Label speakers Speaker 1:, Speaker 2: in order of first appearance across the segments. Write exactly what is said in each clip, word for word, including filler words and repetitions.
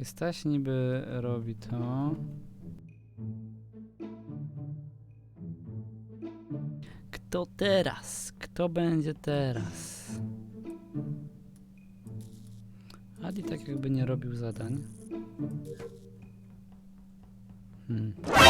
Speaker 1: Staś niby robi to. Kto teraz? Kto będzie teraz? Adi tak jakby nie robił zadań. Hmm.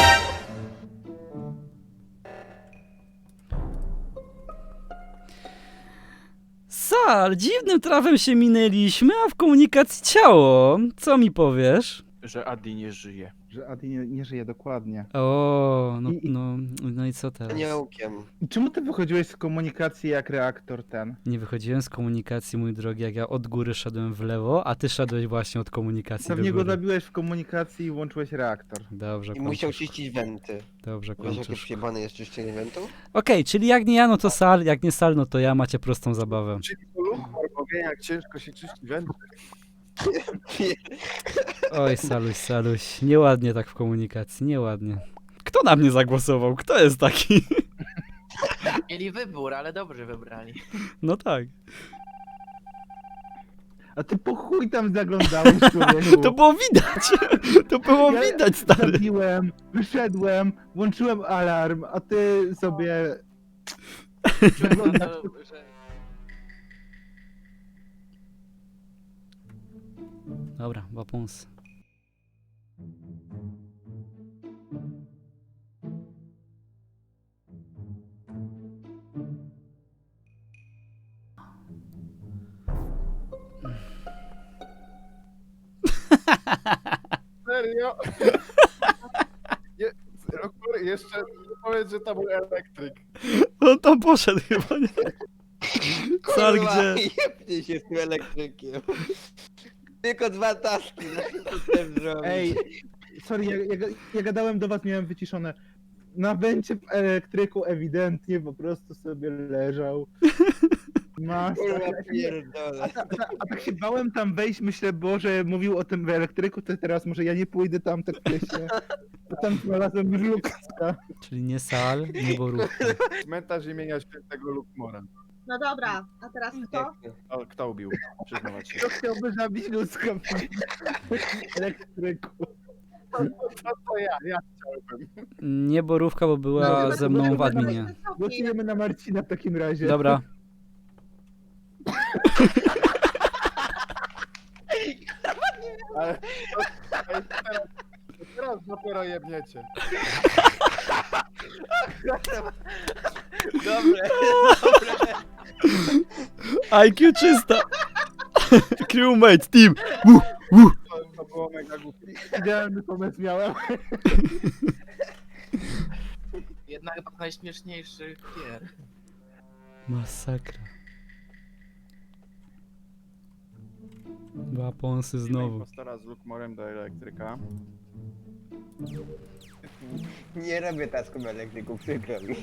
Speaker 1: Sal, dziwnym trafem się minęliśmy, a w komunikacji ciało. Co mi powiesz?
Speaker 2: Że Adi nie żyje.
Speaker 3: Że Adi nie, nie żyje dokładnie.
Speaker 1: O, no,
Speaker 3: I- i-
Speaker 1: no, no i co teraz?
Speaker 4: Aniołkiem.
Speaker 3: I czemu ty wychodziłeś z komunikacji jak reaktor ten?
Speaker 1: Nie wychodziłem z komunikacji, mój drogi, jak ja od góry szedłem w lewo, a ty szedłeś właśnie od komunikacji
Speaker 3: Pewnie
Speaker 1: do
Speaker 3: go
Speaker 1: góry.
Speaker 3: zabiłeś w komunikacji i włączyłeś reaktor.
Speaker 1: Dobrze,
Speaker 4: I musiał
Speaker 1: kończysz.
Speaker 4: czyścić wenty.
Speaker 1: Dobrze,
Speaker 4: Wiesz, jakie
Speaker 1: kończysz.
Speaker 4: przyjebane jest czyszczenie wentów?
Speaker 1: Okej, czyli jak nie ja, no to Sal, jak nie Sal, no to ja, macie prostą zabawę.
Speaker 2: Czyli to Lumor, bo wie jak ciężko się czyści wędrę.
Speaker 1: Oj, Saluś, Saluś, nieładnie tak w komunikacji, nieładnie. Kto na mnie zagłosował? Kto jest taki?
Speaker 5: Mieli wybór, ale dobrze wybrali.
Speaker 1: No tak.
Speaker 3: A ty po chuj tam zaglądałeś, człowieku.
Speaker 1: To było widać! To było
Speaker 3: Ja
Speaker 1: widać, stary.
Speaker 3: Zabiłem, wyszedłem, włączyłem alarm, a ty sobie...
Speaker 5: Wygląda, że...
Speaker 1: Dobra, wapons.
Speaker 2: Serio? Je, Lumor, jeszcze nie powiedz, że to był elektryk.
Speaker 1: On tam poszedł chyba, nie? Sal,
Speaker 4: Kurwa,
Speaker 1: gdzie?
Speaker 4: jebnie się z tym elektrykiem. Tylko dwa taski na to chcę zrobić.
Speaker 3: Ej, sorry, ja, ja, ja gadałem do was, miałem wyciszone. Na węcie w elektryku ewidentnie po prostu sobie leżał. Masakra.
Speaker 4: Kurwa pierdolę.
Speaker 3: A, ta, ta, a tak się bałem tam wejść, myślę, Boże, mówił o tym w elektryku, to teraz może ja nie pójdę tam, tak myślę. A tam znalazłem już Lukasa.
Speaker 1: Czyli nie Sal, nie Borówka.
Speaker 2: Cmentarz imienia świętego Lumora.
Speaker 6: No dobra, a teraz kto?
Speaker 2: O, kto ubił? Przyznawać się.
Speaker 3: Kto chciałby zabić ludzka w elektryku?
Speaker 2: To, to ja, ja chciałbym.
Speaker 1: Nie Borówka, bo była
Speaker 3: No,
Speaker 1: ze mną w adminie.
Speaker 3: Głosujemy na Marcina w takim razie.
Speaker 1: Dobra.
Speaker 2: Ale to, ale teraz, teraz dopiero jebniecie.
Speaker 4: Dobre, dobre.
Speaker 1: I Q czysta. Crewmate, team. Woo, woo.
Speaker 2: To, to było mega głupie.
Speaker 3: Idealny pomysł miałem.
Speaker 5: Jednak chyba z najśmieszniejszych gier.
Speaker 1: Masakra. Waponsy znowu.
Speaker 2: Impostora z Lumorem do elektryka.
Speaker 4: Nie robię tasków elektryków, przykro mi.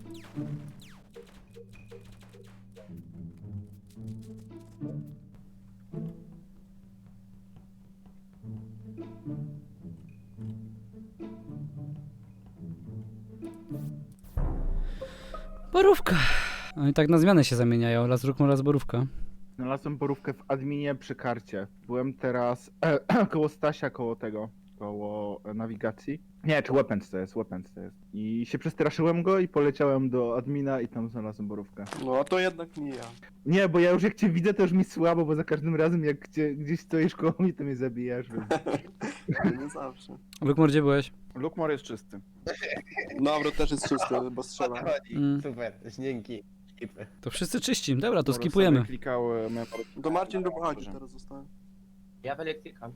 Speaker 1: Borówka. No i tak na zmianę się zamieniają. Raz Rukmor, raz Borówka.
Speaker 3: Znalazłem porówkę w adminie przy karcie. Byłem teraz e, koło Stasia, koło tego, koło e, nawigacji. Nie, czy Weapons to jest, Weapons to jest. I się przestraszyłem go i poleciałem do admina i tam znalazłem borówkę.
Speaker 7: No a to jednak nie ja.
Speaker 3: Nie, bo ja już jak cię widzę, to już mi słabo, bo za każdym razem jak gdzie, gdzieś stoisz koło mnie, to mnie zabijasz. Więc...
Speaker 7: Nie zawsze.
Speaker 1: Rukmor, gdzie byłeś?
Speaker 2: Lumor jest czysty.
Speaker 7: Dobra, też jest czysty, bo
Speaker 4: O
Speaker 7: strzela.
Speaker 4: to chodzi.
Speaker 1: Mm.
Speaker 4: Super, dzięki. Skipy.
Speaker 1: To wszyscy czyści. Dobra, to
Speaker 2: Lumor
Speaker 1: skipujemy.
Speaker 2: sobie Klikał, e, memor.
Speaker 7: To Marcin lub Adi teraz zostałem.
Speaker 5: Ja w elektryka.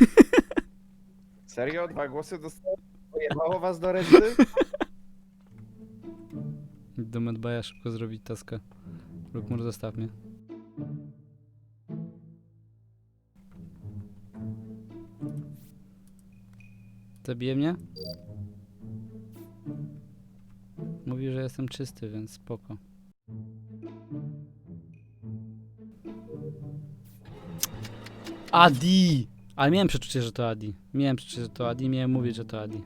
Speaker 2: Serio? Dwa głosy dostałem? Pojebało was do reszty?
Speaker 1: Do Medbaya szybko zrobić taskę. Rukmor, zostaw mnie. Zabije mnie? Mówi, że jestem czysty, więc spoko. Adi! Ale miałem przeczucie, że to Adi. Miałem przeczucie, że to Adi. Miałem mówić, że to Adi.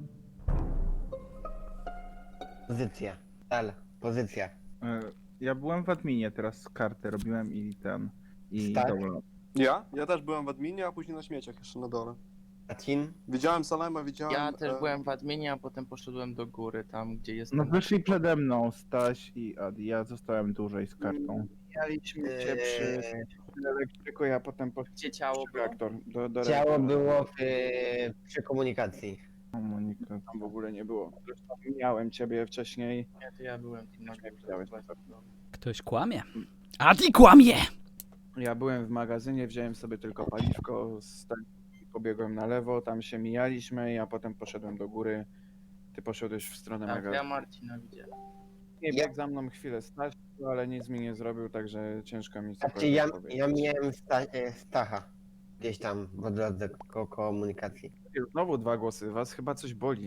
Speaker 4: Pozycja. Tal, pozycja.
Speaker 3: E, Ja byłem w adminie, teraz kartę robiłem i ten... I
Speaker 4: Stań.
Speaker 3: dobra.
Speaker 7: Ja? Ja też byłem w adminie, a później na śmieciach jeszcze na dole.
Speaker 4: Marcin?
Speaker 7: Widziałem Salema, widziałem...
Speaker 5: Ja też
Speaker 7: e,
Speaker 5: byłem w adminie, a potem poszedłem do góry, tam gdzie jest...
Speaker 3: No
Speaker 5: ten-
Speaker 3: wyszli przede mną Staś i Adi, ja zostałem dłużej z kartą.
Speaker 8: Mijaliśmy cię przy
Speaker 4: Eee,
Speaker 8: elektryku, ja potem poszedłem
Speaker 5: Gdzie ciało
Speaker 8: przy
Speaker 5: było?
Speaker 8: reaktor. Do, do
Speaker 4: ciało
Speaker 8: reaktora.
Speaker 4: było w, przy komunikacji.
Speaker 3: Komunikat.
Speaker 8: Tam w ogóle nie było. Zresztą miałem ciebie wcześniej.
Speaker 5: Nie, to ja byłem tu na
Speaker 8: Nie
Speaker 5: górze.
Speaker 8: widziałeś.
Speaker 1: Ktoś kłamie. Adi kłamie!
Speaker 8: Ja byłem w magazynie, wziąłem sobie tylko paliwko, sta- pobiegłem na lewo, tam się mijaliśmy, ja potem poszedłem do góry. Ty poszedłeś w stronę
Speaker 5: Tak, ja
Speaker 8: magazynu.
Speaker 5: Marcina widziałem.
Speaker 8: Nie
Speaker 4: Ja-
Speaker 8: biegł za mną chwilę Staś, ale nic mi nie zrobił, także ciężko mi
Speaker 4: Znaczy
Speaker 8: cokolwiek
Speaker 4: ja,
Speaker 8: powiedzieć.
Speaker 4: ja miałem sta, e, Stacha. Gdzieś tam po drodze ko komunikacji.
Speaker 8: Znowu dwa głosy, was chyba coś boli.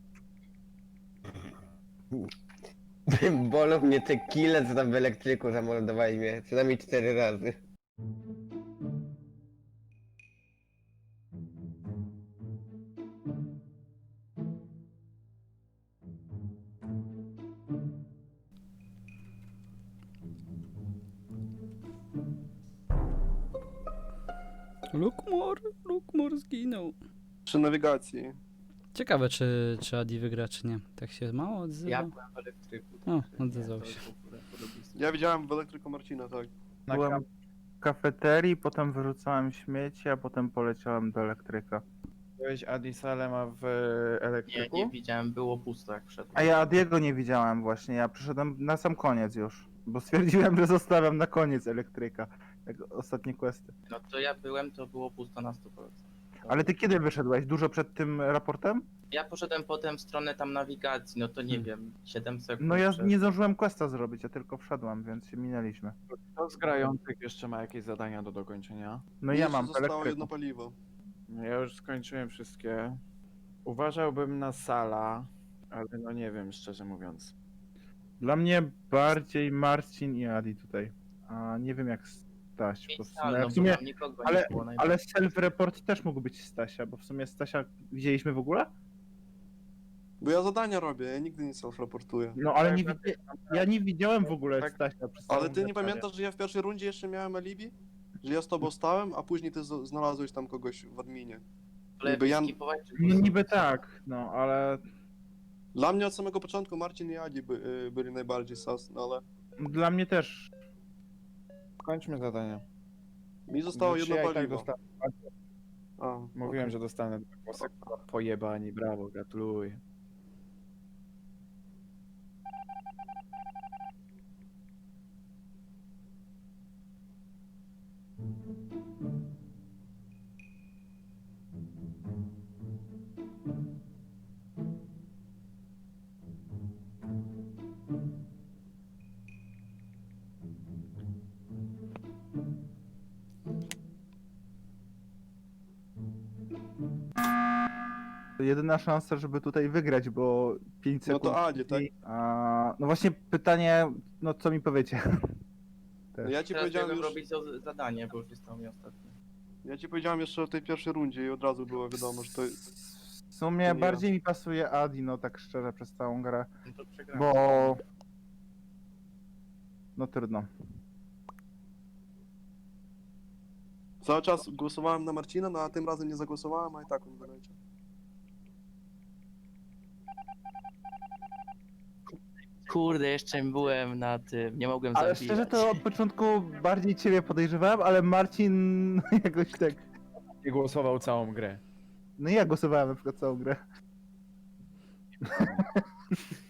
Speaker 4: Bolą mnie te kile, co tam w elektryku zamordowałeś mnie. Co najmniej cztery razy.
Speaker 1: Lukmor, Lukmor zginął.
Speaker 7: Przy nawigacji.
Speaker 1: Ciekawe, czy, czy Adi wygra, czy nie. Tak się mało odzywa.
Speaker 5: Ja byłem w elektryku.
Speaker 1: O,
Speaker 5: także nie,
Speaker 1: odezwał
Speaker 5: to
Speaker 1: się.
Speaker 5: w ogóle podobieństwo.
Speaker 7: Ja widziałem w elektryku Marcina, tak.
Speaker 3: Na Byłem w kafeterii, potem wyrzucałem śmieci, a potem poleciałem do elektryka.
Speaker 8: Byłeś Adi Salema w
Speaker 5: Nie,
Speaker 8: elektryku?
Speaker 5: nie widziałem, było pusto jak wszedłem.
Speaker 3: A ja Adiego nie widziałem właśnie, ja przyszedłem na sam koniec już. Bo stwierdziłem, że zostawiam na koniec elektryka. Jak ostatnie questy.
Speaker 5: No to ja byłem, to było pusto na sto procent.
Speaker 3: Ale ty kiedy wyszedłeś? Dużo przed tym raportem?
Speaker 5: Ja poszedłem potem w stronę tam nawigacji, no to nie
Speaker 3: Hmm.
Speaker 5: wiem, siedem sekund.
Speaker 3: No ja
Speaker 5: przed-
Speaker 3: nie zdążyłem questa zrobić, ja tylko wszedłem, więc się minęliśmy.
Speaker 8: Kto z grających jeszcze ma jakieś zadania do dokończenia?
Speaker 3: No
Speaker 7: Mi
Speaker 3: ja
Speaker 7: jeszcze
Speaker 3: mam w
Speaker 7: zostało
Speaker 3: elektryku.
Speaker 7: jedno paliwo.
Speaker 8: No ja już skończyłem wszystkie. Uważałbym na Sala, ale no nie wiem, szczerze mówiąc.
Speaker 3: Dla mnie bardziej Marcin i Adi tutaj. A nie wiem jak Staś, bo w sumie,
Speaker 5: Ale no,
Speaker 3: w sumie
Speaker 5: bo tam nikogo
Speaker 3: ale-
Speaker 5: nie było najbardziej.
Speaker 3: ale self-report też mógł być Stasia, bo w sumie Stasia widzieliśmy w ogóle?
Speaker 7: Bo ja zadania robię, ja nigdy nie self-raportuję.
Speaker 3: No ale nie widzi... ja nie widziałem w ogóle
Speaker 8: Tak.
Speaker 3: Stasia przez
Speaker 7: Ale
Speaker 3: całą
Speaker 7: ty nie
Speaker 3: zasadę.
Speaker 7: pamiętasz, że ja w pierwszej rundzie jeszcze miałem alibi? Że ja z tobą stałem, a później ty z- znalazłeś tam kogoś w adminie.
Speaker 5: Ale
Speaker 7: niby ja-
Speaker 5: skipować, czy
Speaker 3: No
Speaker 5: głosować?
Speaker 3: niby tak, no ale
Speaker 7: Dla mnie od samego początku Marcin i Adi by, y, byli najbardziej sas, no ale
Speaker 3: dla mnie też.
Speaker 8: Kończmy zadania.
Speaker 7: mi zostało
Speaker 8: Znaczy,
Speaker 7: jedno
Speaker 8: ja i tak
Speaker 7: paliwo.
Speaker 8: dosta-
Speaker 7: A,
Speaker 8: Mówiłem,
Speaker 7: okej.
Speaker 8: że dostanę dwa głosy. Pojebani, brawo, gratuluję.
Speaker 3: To jedyna szansa, żeby tutaj wygrać, bo pięć
Speaker 7: No
Speaker 3: sekund.
Speaker 7: to Adzie, tak?
Speaker 3: A, no właśnie pytanie, no co mi powiecie?
Speaker 7: No ja ci
Speaker 5: Teraz
Speaker 7: powiedziałem
Speaker 5: biegłem
Speaker 7: już,
Speaker 5: robić to zadanie, bo już zostało mi ostatnie.
Speaker 7: ja ci powiedziałem jeszcze o tej pierwszej rundzie i od razu było wiadomo, że to...
Speaker 3: W sumie
Speaker 7: to nie
Speaker 3: bardziej mi pasuje Adi, no tak szczerze, przez całą grę,
Speaker 5: No to przegrałem.
Speaker 3: bo... No trudno.
Speaker 7: Cały czas głosowałem na Marcina, no a tym razem nie zagłosowałem, a i tak on wyleciał.
Speaker 5: Kurde, jeszcze byłem na tym, nie mogłem
Speaker 3: Ale
Speaker 5: zabijać.
Speaker 3: szczerze to od początku bardziej ciebie podejrzewałem, ale Marcin jakoś tak...
Speaker 8: Nie głosował całą grę.
Speaker 3: No ja głosowałem na przykład całą grę.